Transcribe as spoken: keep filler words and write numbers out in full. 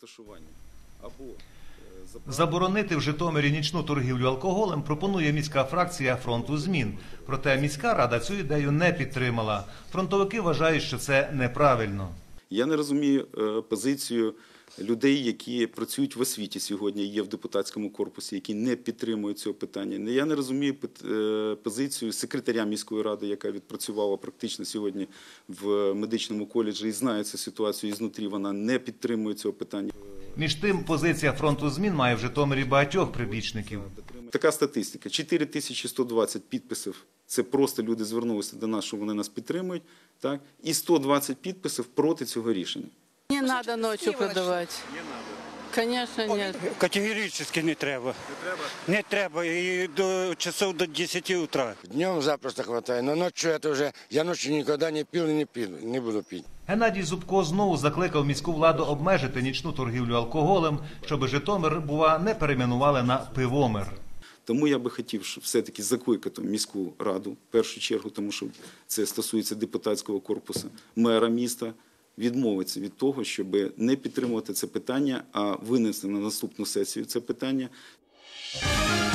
розташування або заборонити в Житомирі нічну торгівлю алкоголем пропонує міська фракція «Фронту змін». Проте міська рада цю ідею не підтримала. Фронтовики вважають, що це неправильно. Я не розумію позицію людей, які працюють в освіті сьогодні, є в депутатському корпусі, які не підтримують цього питання. Я не розумію позицію секретаря міської ради, яка відпрацювала практично сьогодні в медичному коледжі і знає цю ситуацію ізнутрі, вона не підтримує цього питання. Між тим, позиція «Фронту змін» має в Житомирі багатьох прибічників. Така статистика. чотири тисячі сто двадцять підписів. Це просто люди звернулися до нас, що вони нас підтримують. Так? І сто двадцять підписів проти цього рішення. Не треба ночі продавати. Не треба? Звісно, ні. Категорично не треба. Не треба? Не треба. І до часов до десяти утра. Днем запросто хватає, но ночью это уже, я ночью никогда не пил и не пил, не буду пить. Геннадій Зубко знову закликав міську владу обмежити нічну торгівлю алкоголем, щоб Житомир, бува, не перейменували на «Пивомир». Тому я би хотів, щоб все-таки закликати міську раду, в першу чергу, тому що це стосується депутатського корпусу, мера міста, відмовитися від того, щоб не підтримувати це питання, а винести на наступну сесію це питання.